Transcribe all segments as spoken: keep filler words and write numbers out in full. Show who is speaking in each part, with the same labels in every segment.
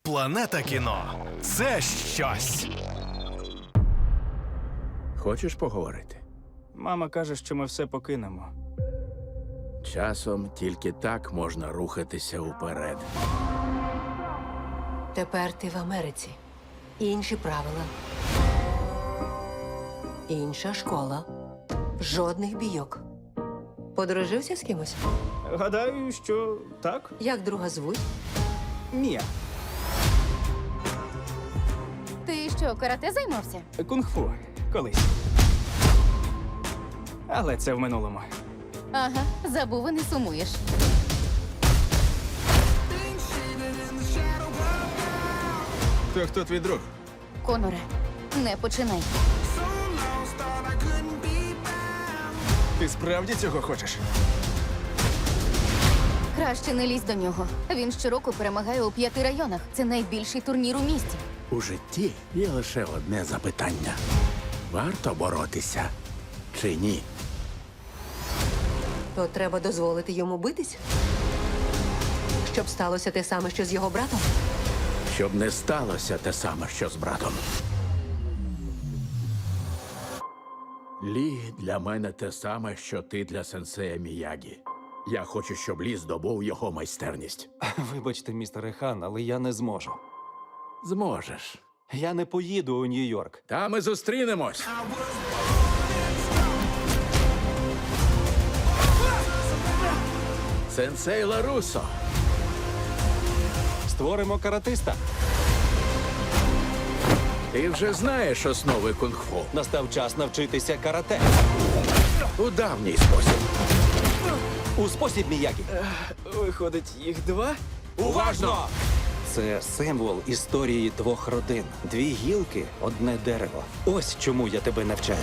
Speaker 1: Планета кіно – це щось.
Speaker 2: Хочеш поговорити?
Speaker 3: Мама каже, що ми все покинемо.
Speaker 2: Часом тільки так можна рухатися уперед.
Speaker 4: Тепер ти в Америці. Інші правила. Інша школа. Жодних бійок. Подружився з кимось?
Speaker 3: Гадаю, що так?
Speaker 4: Як друга звуть?
Speaker 3: Ні.
Speaker 5: Ти що, карате займався?
Speaker 3: Кунг-фу. Колись. Але це в минулому.
Speaker 5: Ага, забув і не сумуєш.
Speaker 2: То хто твій друг?
Speaker 5: Коноре, не починай.
Speaker 1: Ти справді цього хочеш?
Speaker 5: Краще не лізь до нього. Він щороку перемагає у п'яти районах. Це найбільший турнір у місті.
Speaker 2: У житті є лише одне запитання. Варто боротися чи ні?
Speaker 4: То треба дозволити йому битись? Щоб сталося те саме, що з його братом?
Speaker 2: Щоб не сталося те саме, що з братом. Лі для мене те саме, що ти для сенсея Міягі. Я хочу, щоб Лі здобув його майстерність.
Speaker 6: Вибачте, містере Хан, але я не зможу.
Speaker 2: Зможеш.
Speaker 6: Я не поїду у Нью-Йорк.
Speaker 2: Та ми зустрінемось. Сенсей Ларусо.
Speaker 6: Створимо каратиста.
Speaker 2: Ти вже знаєш основи кунг-фу.
Speaker 6: Настав час навчитися карате.
Speaker 2: У давній спосіб.
Speaker 6: У спосіб Міягі.
Speaker 3: Виходить, їх два?
Speaker 6: Уважно! Це символ історії двох родин. Дві гілки, одне дерево. Ось чому я тебе навчаю.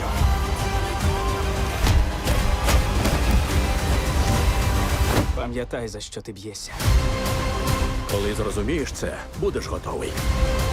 Speaker 3: Пам'ятай, за що ти б'єшся.
Speaker 2: Коли зрозумієш це, будеш готовий.